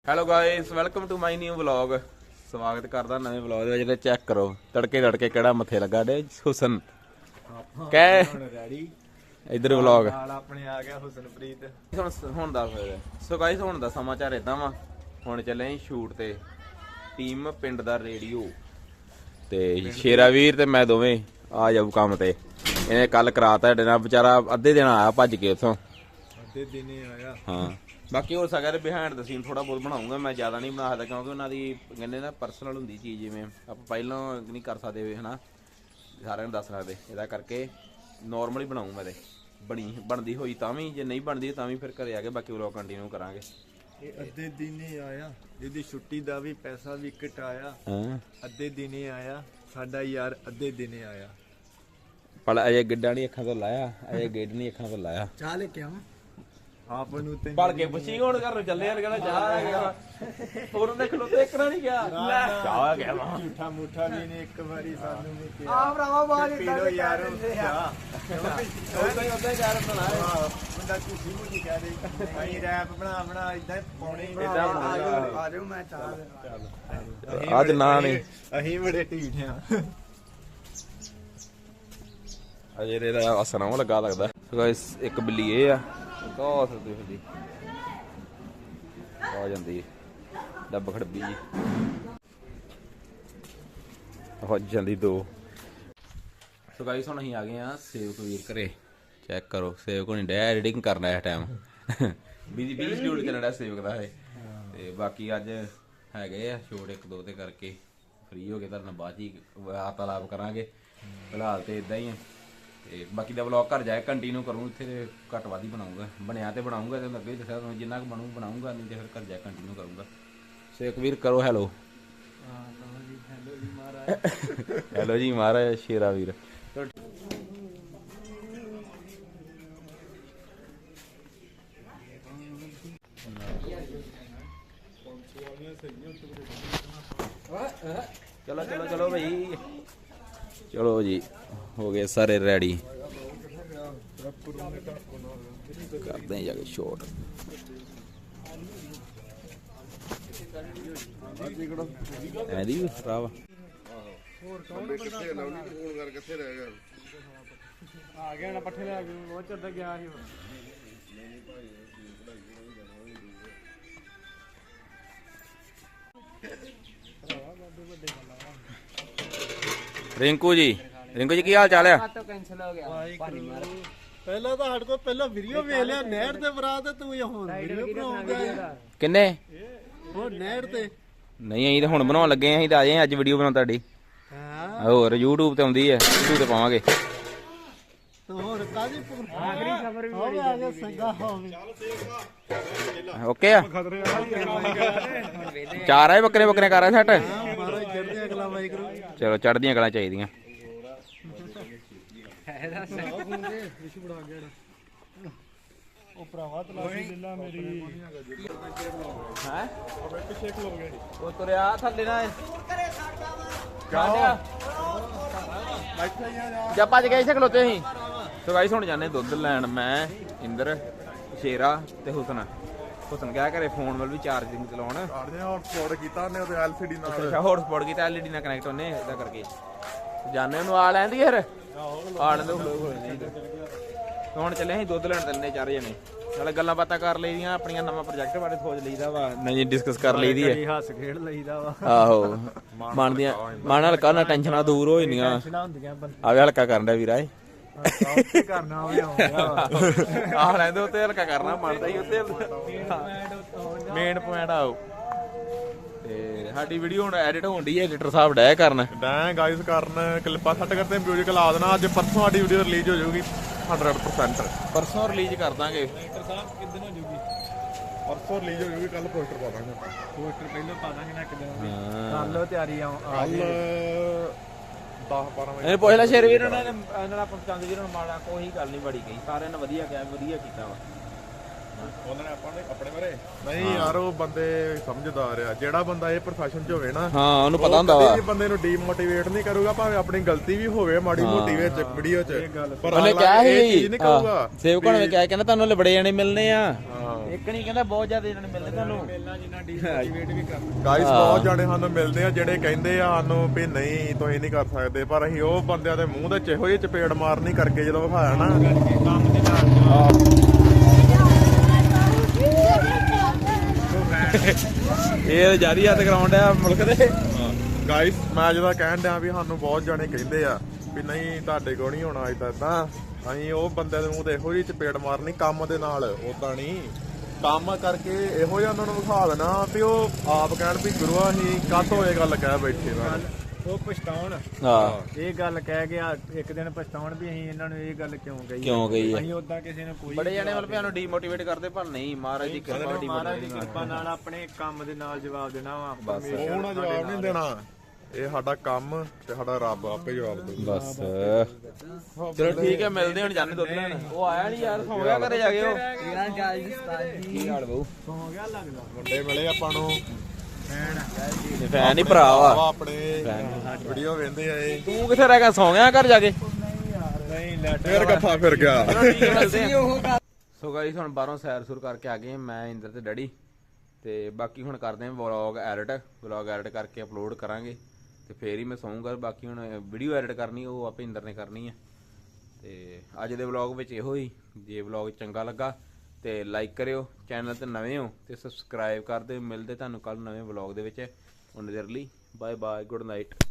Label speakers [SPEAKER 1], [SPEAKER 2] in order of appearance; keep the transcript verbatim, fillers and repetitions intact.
[SPEAKER 1] Hello guys, welcome to my new vlog. ਸਵਾਗਤ ਕਰਦਾ ਨਵੇਂ ਵਲੌਗ ਦੇ ਵਿੱਚ। ਚੈੱਕ ਕਰੋ ਤੜਕੇ ਤੜਕੇ ਕਿਹੜਾ ਮੱਥੇ ਲੱਗਾ ਡੇ ਹੁਸਨ ਕਹਿ ਇਧਰ ਵਲੌਗ
[SPEAKER 2] ਆਪਣੇ ਆ ਗਿਆ ਹੁਸਨਪ੍ਰੀਤ।
[SPEAKER 1] ਹੁਣ ਹੁਣ ਦਾ ਸੋ ਗਾਇਸ ਹੁਣ ਦਾ ਸਮਾਚਾਰ ਇਦਾਂ ਵਾ, ਹੁਣ ਚੱਲੇ ਸ਼ੂਟ ਤੇ ਟੀਮ ਪਿੰਡ ਦਾ ਰੇਡੀਓ ਤੇ ਸ਼ੇਰਾ ਵੀਰ ਤੇ ਮੈਂ ਦੋਵੇਂ ਆ ਜਾਊ ਕੰਮ ਤੇ। ਇਹਨੇ ਕੱਲ ਕਰਾਤਾ ਸਾਡੇ ਨਾਲ, ਵਿਚਾਰਾ ਅੱਧੇ ਦਿਨ ਆਇਆ ਭੱਜ ਕੇ ਉੱਥੋਂ,
[SPEAKER 2] ਅੱਧੇ ਦਿਨੇ ਆਇਆ।
[SPEAKER 1] ਹਾਂ ਬਾਕੀ ਹੋ ਸਕਦਾ ਬਿਹਾਈਂਡ ਦਾ ਸੀਨ ਥੋੜਾ ਬਹੁਤ ਬਣਾਉਂਗਾ ਮੈਂ, ਜ਼ਿਆਦਾ ਨਹੀਂ ਬਣਾ ਸਕਦਾ ਕਿਉਂਕਿ ਉਹਨਾਂ ਦੀ ਕਹਿੰਦੇ ਨਾ ਪਰਸਨਲ ਹੁੰਦੀ ਚੀਜ਼, ਜਿਵੇਂ ਆਪਾਂ ਪਹਿਲਾਂ ਨਹੀਂ ਕਰ ਸਕਦੇ ਹੈ ਨਾ, ਸਾਰਿਆਂ ਨੂੰ ਦੱਸ ਸਕਦੇ। ਇਹਦਾ ਕਰਕੇ ਨੋਰਮਲੀ ਬਣਾਊਂ ਮੈਂ ਤੇ, ਬਣੀ ਬਣਦੀ ਹੋਈ ਤਾਂ ਵੀ, ਜੇ ਨਹੀਂ ਬਣਦੀ ਤਾਂ ਵੀ ਫਿਰ ਘਰੇ ਆ ਕੇ ਬਾਕੀ ਵਲੌਗ ਕੰਟੀਨਿਊ ਕਰਾਂਗੇ।
[SPEAKER 2] ਇਹ ਅੱਧੇ ਦਿਨੇ ਆਇਆ, ਇਹਦੀ ਛੁੱਟੀ ਦਾ ਵੀ ਪੈਸਾ ਵੀ ਕਟਾਇਆ।
[SPEAKER 1] ਹਾਂ
[SPEAKER 2] ਅੱਧੇ ਦਿਨੇ ਆਇਆ ਸਾਡਾ ਯਾਰ, ਅੱਧੇ ਦਿਨੇ ਆਇਆ।
[SPEAKER 1] ਪਰ ਅਜੇ ਗਿੱਡਾ ਨਹੀਂ ਅੱਖਾਂ ਤੋਂ ਲਾਇਆ, ਅਜੇ ਗਿੱਡ ਨਹੀਂ ਅੱਖਾਂ ਤੋਂ ਲਾਇਆ।
[SPEAKER 2] ਚਾਹ ਲੈ ਕੇ ਆਵਾਂ ਆਪ ਨੂੰ ਤੇ
[SPEAKER 1] ਭੜ ਕੇ ਪੁੱਛੀ ਹੁਣ ਘਰ ਨੂੰ ਚੱਲੇ ਯਾਰ, ਕਹਿੰਦਾ ਚਾਹ ਆ ਗਿਆ ਹੋਰ ਉਹਨੇ ਖਲੋਤੇ ਇੱਕ ਨਾ ਨਹੀਂ ਗਿਆ, ਚਾਹ ਆ ਗਿਆ ਵਾ।
[SPEAKER 2] ਝੂਠਾ ਮੂਠਾ ਵੀ ਨੇ ਇੱਕ ਵਾਰੀ ਸਾਨੂੰ ਵੀ ਕਿਹਾ
[SPEAKER 3] ਆ ਭਰਾਵਾ ਬਾਜ
[SPEAKER 2] ਪੀ ਲੋ ਯਾਰ।
[SPEAKER 1] ਉਦਾਂ ਹੀ ਉਦਾਂ ਹੀ ਕਹਿ ਰਿਹਾ ਨਾ,
[SPEAKER 2] ਬੰਦਾ ਝੂਠੀ ਮੂਠੀ ਕਹਿ ਦੇ ਭਾਈ ਰੈਪ ਬਣਾ ਬਣਾ ਇਦਾਂ ਪਾਉਣੇ ਹੀ
[SPEAKER 1] ਏਦਾਂ ਬਣਾਉਣਾ।
[SPEAKER 3] ਆ ਜਾਓ ਮੈਂ ਚਾਹ
[SPEAKER 2] ਚੱਲ
[SPEAKER 1] ਅੱਜ ਨਾ ਨਹੀਂ
[SPEAKER 2] ਅਸੀਂ ਬੜੇ ਢੀਠ ਆ।
[SPEAKER 1] ਅਜੇ ਇਹਦਾ ਅਸਰ ਨਾ ਲੱਗਾ ਲੱਗਦਾ। ਸੋ ਗਾਇਸ ਇੱਕ ਬਿੱਲੀ ਇਹ ਆ, ਕੋ ਸਕਦੀ ਹੁੰਦੀ ਆ ਜਾਂਦੀ ਡੱਬ ਖੜਬੀ ਜੀ ਹੋ ਜਾਂਦੀ ਦੋ। ਸੋ ਗਾਇਸ ਹੁਣ ਅਸੀਂ ਆ ਗਏ ਆ ਸੇਵਕ ਵੀਰ ਘਰੇ। ਚੈੱਕ ਕਰੋ ਸੇਵਕ ਹੁਣੀ ਡੈ ਐਡੀਟਿੰਗ ਕਰਨਾ ਇਸ ਟਾਈਮ, ਬਿਜੀ ਬਿਜੀ ਸ਼ਡਿਊਲ ਚੱਲਣ ਡਿਆ ਸੇਵਕ ਦਾ ਇਹ। ਤੇ ਬਾਕੀ ਅੱਜ ਹੈਗੇ ਆ ਸ਼ੂਟ ਇੱਕ ਦੋ ਤੇ ਕਰਕੇ ਫ੍ਰੀ ਹੋ ਕੇ ਤੁਹਾਡੇ ਨਾਲ ਬਾਅਦ ਹੀ ਵਾਰਤਾਲਾਪ ਕਰਾਂਗੇ। ਫਿਲਹਾਲ ਤੇ ਇਦਾਂ ਹੀ ਆ ਤੇ ਬਾਕੀ ਦਾ ਵਲੌਗ ਘਰ ਜਾਏ ਕੰਟੀਨਿਊ ਕਰੂੰ, ਇੱਥੇ ਤੇ ਘੱਟ ਵੱਧ ਹੀ ਬਣਾਉਂਗਾ, ਬਣਿਆ ਤੇ ਬਣਾਉਂਗਾ ਤੇ ਅੱਗੇ ਦੱਸਿਆ ਤੁਹਾਨੂੰ ਜਿੰਨਾ ਕੁ ਬਣੂ ਬਣਾਉਂਗਾ, ਨਹੀਂ ਤੇ ਫਿਰ ਘਰ ਜਾਏ ਕੰਟੀਨਿਊ ਕਰੂੰਗਾ। ਸੇਵਕ ਵੀਰ ਕਰੋ ਹੈਲੋ। ਹੈਲੋ ਜੀ ਮਹਾਰਾਜ ਸ਼ੇਰਾ ਵੀਰ। ਚਲੋ ਚਲੋ ਚਲੋ ਭਾਈ, ਚਲੋ ਜੀ ਹੋ ਗਏ ਸਾਰੇ ਰੈਡੀ, ਕਰਦੇ ਹਾਂ ਜਾ ਕੇ ਸ਼ੋਟ। ਐਦੀ ਵੀ ਖਰਾਬ
[SPEAKER 3] ਆ ਗਿਆ ਨਾ ਪੱਠੇ ਲੈ ਕੇ ਬਹੁਤ ਚਿਰ ਤੱਕ ਗਿਆ ਸੀ।
[SPEAKER 1] ਰਿੰਕੂ ਜੀ, ਰਿੰਕੂ ਜੀ ਕੀ ਹਾਲ ਚਾਲ ਆ?
[SPEAKER 3] ਕੈਂਸਲ ਹੋ ਗਿਆ।
[SPEAKER 2] ਪਹਿਲਾਂ ਤਾਂ ਸਾਡੇ ਕੋਲ ਪਹਿਲਾਂ ਵੀਡੀਓ ਵੇਖ ਲਿਆ ਨਹਿਰ ਤੇ ਬਰਾਤ, ਤੇ ਤੂੰ ਹੁਣ ਵੀਡੀਓ ਬਣਾਉਂਦਾ
[SPEAKER 1] ਕਿੰਨੇ
[SPEAKER 2] ਹੁਣ ਨਹਿਰ ਤੇ।
[SPEAKER 1] ਨਹੀਂ ਅਸੀਂ ਤਾਂ ਹੁਣ ਬਣਾਉਣ ਲੱਗੇ ਆਂ, ਅਸੀਂ ਤਾਂ ਆ ਜਾਏ ਅੱਜ ਵੀਡੀਓ ਬਣਾਉਣ ਤੁਹਾਡੀ।
[SPEAKER 2] ਹਾਂ
[SPEAKER 1] ਹੋਰ YouTube ਤੇ ਆਉਂਦੀ ਹੈ, YouTube ਤੇ ਪਾਵਾਂਗੇ।
[SPEAKER 2] ਹੋਰ ਕਾਦੀ
[SPEAKER 3] ਆਖਰੀ ਖਬਰ ਵੀ
[SPEAKER 2] ਹੋਵੇ ਆ ਗਿਆ ਸੰਗਾ ਹੋਵੇ।
[SPEAKER 1] ਓਕੇ ਆ, ਚਾਰ ਆਏ ਬੱਕਰੇ ਬੱਕਰੇ ਕਰ ਰਹੇ ਸੈੱਟ।
[SPEAKER 2] ਮਾਰੋ ਚੜਦੇ ਅਗਲਾ ਵਾਹਿਗੁਰੂ।
[SPEAKER 1] ਚਲੋ ਚੜ੍ਹਦੀਆਂ ਕਲਾਂ ਚਾਹੀਦੀਆਂ।
[SPEAKER 2] ਉਹ ਭਰਾਵਾ ਤਲਾਸ਼ੀ ਲੈ ਲਾ ਮੇਰੀ
[SPEAKER 1] ਹੈ
[SPEAKER 2] ਬੈਠ ਸ਼ੇਕ ਲੋਗੇ।
[SPEAKER 1] ਉਹ ਤੁਰਿਆ ਥੱਲੇ ਨਾ ਜਾ ਭੱਜ ਗਏ ਇੱਥੇ ਖਲੋਤੇ ਅਸੀਂ। ਸੋ ਗਾਈਸ ਹੁਣ ਜਾਂਦੇ ਦੁੱਧ ਲੈਣ, ਮੈਂ ਇੰਦਰ ਸ਼ੇਰਾ ਤੇ ਹੁਸਨ। ਹੁਸਨ ਗਿਆ ਘਰੇ ਫੋਨ ਵੱਲ ਵੀ ਚਾਰਜਿੰਗ ਚਲਾਉਣ,
[SPEAKER 2] ਹੌਟਸਪੌਟ ਕੀਤਾ ਉਹਨੇ ਉਹਦੇ ਐਲ ਸੀ ਡੀ ਨਾਲ।
[SPEAKER 1] ਅੱਛਾ ਹੌਟਸਪੌਟ ਕੀਤਾ, ਐਲ ਈ ਡੀ ਨਾਲ ਕਨੈਕਟ ਉਹਨੇ, ਇਦਾਂ ਕਰਕੇ ਜਾਣੇ ਉਹਨੂੰ ਆ ਲੈਂਦੀ ਯਾਰ, ਆ ਲੈਂਦੇ ਹੁਣ ਚੱਲੇ ਅਸੀਂ ਦੁੱਧ ਲੈਣ ਚੱਲੇ ਚਾਰੇ ਜਣੇ। ਨਾਲੇ ਗੱਲਾਂ ਬਾਤਾਂ ਕਰ ਲਈਆਂ, ਆਪਣੀਆਂ ਨਵਾਂ ਪ੍ਰੋਜੈਕਟ ਬਾਰੇ ਸੋਚ ਲਈਦਾ ਵਾ, ਨਹੀਂ ਡਿਸਕਸ ਕਰ ਲਈਦੀ ਹੈ।
[SPEAKER 2] ਹੱਸ ਖੇਡ ਲਈਦਾ ਵਾ।
[SPEAKER 1] ਆਹੋ ਮਨ ਦੀਆਂ ਮਨ ਹਲਕਾ ਨਾ ਟੈਨਸ਼ਨਾਂ ਦੂਰ ਹੋ ਜਾਂਦੀਆਂ।
[SPEAKER 2] ਹੁੰਦੀਆਂ
[SPEAKER 1] ਆਵੇ ਹਲਕਾ ਕਰਨ ਦਾ ਵੀਰਾ
[SPEAKER 2] ਇਹ ਕਰਨਾ ਹੋਵੇ ਆਉਂਦਾ
[SPEAKER 1] ਆਹ ਲੈਂਦੇ ਉੱਤੇ ਹਲਕਾ ਕਰਨਾ ਮੰਨਦਾ ਹੀ ਉੱਤੇ ਮੇਨ ਪੁਆਇੰਟ ਆਓ। ਤੇ ਸਾਡੀ ਵੀਡੀਓ ਹੁਣ ਐਡਿਟ ਹੋਣ ਦੀ ਹੈ, ਐਡੀਟਰ ਸਾਹਿਬ ਡੈ ਕਰਨ
[SPEAKER 2] ਡੈ ਗਾਇਸ ਕਰਨ ਕਲਿੱਪਾਂ ਸੈੱਟ ਕਰਦੇ ਮਿਊਜ਼ਿਕ ਲਾ ਦੇਣਾ। ਅੱਜ ਪਰਸੋਂ ਸਾਡੀ ਵੀਡੀਓ ਰਿਲੀਜ਼ ਹੋ ਜਾਊਗੀ ਹੰਡਰਡ ਪਰਸੈਂਟ।
[SPEAKER 1] ਪਰਸੋਂ ਰਿਲੀਜ਼ ਕਰ ਦਾਂਗੇ।
[SPEAKER 2] ਐਕਟਰ ਸਾਹਿਬ ਕਿੱਦਣ ਹੋ ਜਾਊਗੀ? ਪਰਸੋਂ ਰਿਲੀਜ਼ ਹੋ ਜਾਊਗੀ, ਕੱਲ ਪੋਸਟਰ ਪਾ ਦਾਂਗੇ। ਪੋਸਟਰ ਪਹਿਲਾਂ ਪਾ ਦਾਂਗੇ ਨਾ, ਇੱਕ ਦਿਨ ਕਰ ਲਓ ਤਿਆਰੀ। ਆ ਕੱਲ ਦਸ ਬਾਰਾਂ ਵਜੇ
[SPEAKER 1] ਇਹ ਪੁੱਛ ਲੈ ਸ਼ੇਰਵੀਰ ਇਹਨਾਂ ਨੇ, ਇਹਨਾਂ ਨਾਲ ਪਸੰਦ ਵੀਰ ਨੂੰ ਮਾੜਾ ਕੋਈ ਗੱਲ ਨਹੀਂ ਬੜੀ ਗਈ, ਸਾਰਿਆਂ ਨੇ ਵਧੀਆ ਕਿਹਾ, ਵਧੀਆ ਕੀਤਾ ਵਾ
[SPEAKER 2] ਉਹਨਾਂ ਨੇ ਆਪਾਂ ਨੇ ਆਪਣੇ ਬਾਰੇ। ਨਹੀਂ ਯਾਰ ਉਹ ਬੰਦੇ ਸਮਝਦਾਰ ਆ, ਜਿਹੜਾ ਬੰਦਾ ਇਹ ਪ੍ਰੋਫੈਸ਼ਨ 'ਚ ਹੋਵੇ ਨਾ,
[SPEAKER 1] ਹਾਂ ਉਹਨੂੰ ਪਤਾ ਹੁੰਦਾ ਵਾ।
[SPEAKER 2] ਕਦੇ ਬੰਦੇ ਨੂੰ ਡੀਮੋਟੀਵੇਟ ਨਹੀਂ ਕਰੂਗਾ, ਭਾਵੇਂ ਆਪਣੀ ਗਲਤੀ ਵੀ ਹੋਵੇ ਮਾੜੀ ਮੋਟੀ ਵਿੱਚ ਵੀਡੀਓ 'ਚ, ਪਰ
[SPEAKER 1] ਉਹਨੇ ਕਿਹਾ
[SPEAKER 2] ਇਹ ਚੀਜ਼
[SPEAKER 1] ਸੀ
[SPEAKER 2] ਨਹੀਂ ਕਹੂਗਾ।
[SPEAKER 1] ਸੇਵਕਾਂ ਨੇ ਕਿਹਾ ਕਹਿੰਦਾ ਤੁਹਾਨੂੰ ਲਬੜੇ ਜਾਣੇ ਮਿਲਨੇ ਆ, ਇੱਕ ਨਹੀਂ ਕਹਿੰਦਾ ਬਹੁਤ ਜ਼ਿਆਦਾ ਇਹਨਾਂ ਨੇ ਮਿਲਦੇ ਤੁਹਾਨੂੰ
[SPEAKER 3] ਮਿਲਣਾ ਜਿੰਨਾ ਡੀਮੋਟੀਵੇਟ ਵੀ ਕਰਨਾ
[SPEAKER 2] ਗਾਇਸ ਬਹੁਤ ਜਾਣੇ ਸਾਨੂੰ ਮਿਲਦੇ ਆ ਜਿਹੜੇ ਕਹਿੰਦੇ ਆ ਸਾਨੂੰ ਵੀ ਨਹੀਂ ਤੁਸੀਂ ਨਹੀਂ ਕਰ ਸਕਦੇ, ਪਰ ਅਸੀਂ ਉਹ ਬੰਦਿਆਂ ਦੇ ਮੂੰਹ ਦੇ ਚਿਹੋ ਜਿਹੇ ਚਪੇੜ ਮਾਰਨੀ ਕਰਕੇ ਜਦੋਂ ਵਿਖਾਇਆ ਨਾ
[SPEAKER 3] ਕੰਮ ਦੇ ਨਾਲ
[SPEAKER 1] ਇਹ ਜਾਰੀ ਹੱਥ ਗਰਾਊਂਡ ਆ ਮੁਲਕ ਦੇ
[SPEAKER 2] ਗਾਇਸ ਮੈਂ ਜਦੋਂ ਕਹਿਣ ਡਿਆ ਵੀ ਸਾਨੂੰ ਬਹੁਤ ਜਾਣੇ ਕਹਿੰਦੇ ਆ ਵੀ ਨਹੀਂ ਤੁਹਾਡੇ ਕੋਲ ਨਹੀਂ ਹੋਣਾ ਇਦਾਂ ਤਾਂ ਅਸੀਂ ਉਹ ਬੰਦੇ ਦੇ ਮੂੰਹ ਤੇ ਇਹੋ ਜਿਹੀ ਚਪੇੜ ਮਾਰਨੀ ਕੰਮ ਦੇ ਨਾਲ, ਉਦਾਂ ਨਹੀਂ ਕੰਮ ਕਰਕੇ ਇਹੋ ਜਿਹਾ ਉਹਨਾਂ ਨੂੰ ਵਿਖਾ ਦੇਣਾ ਵੀ ਉਹ ਆਪ ਕਹਿਣ ਵੀ ਗੁਰੂਆ ਅਸੀਂ ਕਾਹਤੋਂ ਇਹ ਗੱਲ ਕਹਿ ਬੈਠੇ ਨਾ
[SPEAKER 3] ਉਹ ਪਛਤਾਉਣ
[SPEAKER 1] ਹਾਂ
[SPEAKER 3] ਇਹ ਗੱਲ ਕਹਿ ਗਿਆ ਇੱਕ ਦਿਨ ਪਛਤਾਉਣ ਵੀ ਅਸੀਂ ਇਹਨਾਂ ਨੂੰ ਇਹ ਗੱਲ ਕਿਉਂ ਕਹੀ
[SPEAKER 1] ਕਿਉਂ ਕਹੀ
[SPEAKER 3] ਅਸੀਂ ਉਦਾਂ ਕਿਸੇ ਨੂੰ ਕੋਈ
[SPEAKER 1] ਬੜੇ ਜਾਣੇ ਮਤਲਬ ਸਾਨੂੰ ਡੀਮੋਟੀਵੇਟ ਕਰਦੇ ਪਰ ਨਹੀਂ ਮਹਾਰਾਜ ਦੀ ਕਿਰਪਾ
[SPEAKER 3] ਮਹਾਰਾਜ ਦੀ
[SPEAKER 1] ਡੀਮੋਟੀਵੇਟ
[SPEAKER 3] ਕਿਰਪਾ ਨਾਲ ਆਪਣੇ ਕੰਮ ਦੇ ਨਾਲ ਜਵਾਬ ਦੇਣਾ ਵਾ
[SPEAKER 1] ਬਸ
[SPEAKER 2] ਉਹ ਨਾ ਜਵਾਬ ਨਹੀਂ ਦੇਣਾ, ਇਹ ਸਾਡਾ ਕੰਮ ਤੇ ਸਾਡਾ ਰੱਬ ਆਪੇ ਜਵਾਬ ਦੇਊਗਾ।
[SPEAKER 1] ਬਸ ਚਲੋ ਠੀਕ ਹੈ ਮਿਲਦੇ ਹੁਣ ਜਾਣੇ ਦੁੱਧ ਲੈਣ। ਉਹ ਆਇਆ ਨਹੀਂ ਯਾਰ ਸੌਂ ਗਿਆ ਘਰੇ ਜਾ ਕੇ ਉਹ
[SPEAKER 3] ਤੇਰਾ ਜਾਇਜ਼ ਉਸਤਾਦ
[SPEAKER 1] ਕੀ ਹਾਲ ਬਹੂ
[SPEAKER 3] ਸੌ ਗਿਆ ਲੱਗਦਾ
[SPEAKER 2] ਮੁੰਡੇ ਮਿਲੇ ਆਪਾਂ ਨੂੰ
[SPEAKER 1] ਫੈਨ ਹੀ ਭਰਾ ਵਾ
[SPEAKER 2] ਆਪਣੇ ਵੀਡੀਓ ਵੇਂਦੇ ਆ ਇਹ,
[SPEAKER 1] ਤੂੰ ਕਿੱਥੇ ਰਹਿ ਗਿਆ ਸੌਂ ਗਿਆ ਘਰ ਜਾ ਕੇ
[SPEAKER 3] ਨਹੀਂ ਲੈਟ
[SPEAKER 2] ਫੇਰ ਗੱਫਾ ਫਿਰ ਗਿਆ।
[SPEAKER 1] ਸੋ ਗਾਈਸ ਹੁਣ ਬਾਹਰੋਂ ਸੈਰ ਸੁਰ ਕਰਕੇ ਆ ਗਏ ਮੈਂ ਇੰਦਰ ਤੇ ਡੈਡੀ ਤੇ ਬਾਕੀ ਹੁਣ ਕਰਦੇ ਹਾਂ ਵਲੌਗ ਐਡਿਟ ਵਲੌਗ ਐਡਿਟ ਕਰਕੇ ਅਪਲੋਡ ਕਰਾਂਗੇ ਤੇ ਫੇਰ ਹੀ ਮੈਂ ਸੌਂਗਾ। ਬਾਕੀ ਹੁਣ ਵੀਡੀਓ ਐਡਿਟ ਕਰਨੀ ਉਹ ਆਪੇ ਇੰਦਰ ਨੇ ਕਰਨੀ ਹੈ। ਤੇ ਅੱਜ ਦੇ ਵਲੌਗ ਵਿੱਚ ਇਹੋ ਹੀ, ਜੇ ਵਲੌਗ ਚੰਗਾ ਲੱਗਾ ਤੇ ਲਾਈਕ ਕਰਿਓ, ਚੈਨਲ ਤੇ ਨਵੇਂ ਹੋ ਤੇ ਸਬਸਕ੍ਰਾਈਬ ਕਰ ਦਿਓ। ਮਿਲਦੇ ਤੁਹਾਨੂੰ ਕੱਲ ਨਵੇਂ ਵਲੌਗ ਦੇ ਵਿੱਚ। ਹੁਣ ਦੇਰ ਲਈ ਬਾਏ ਬਾਏ, ਗੁੱਡ ਨਾਈਟ।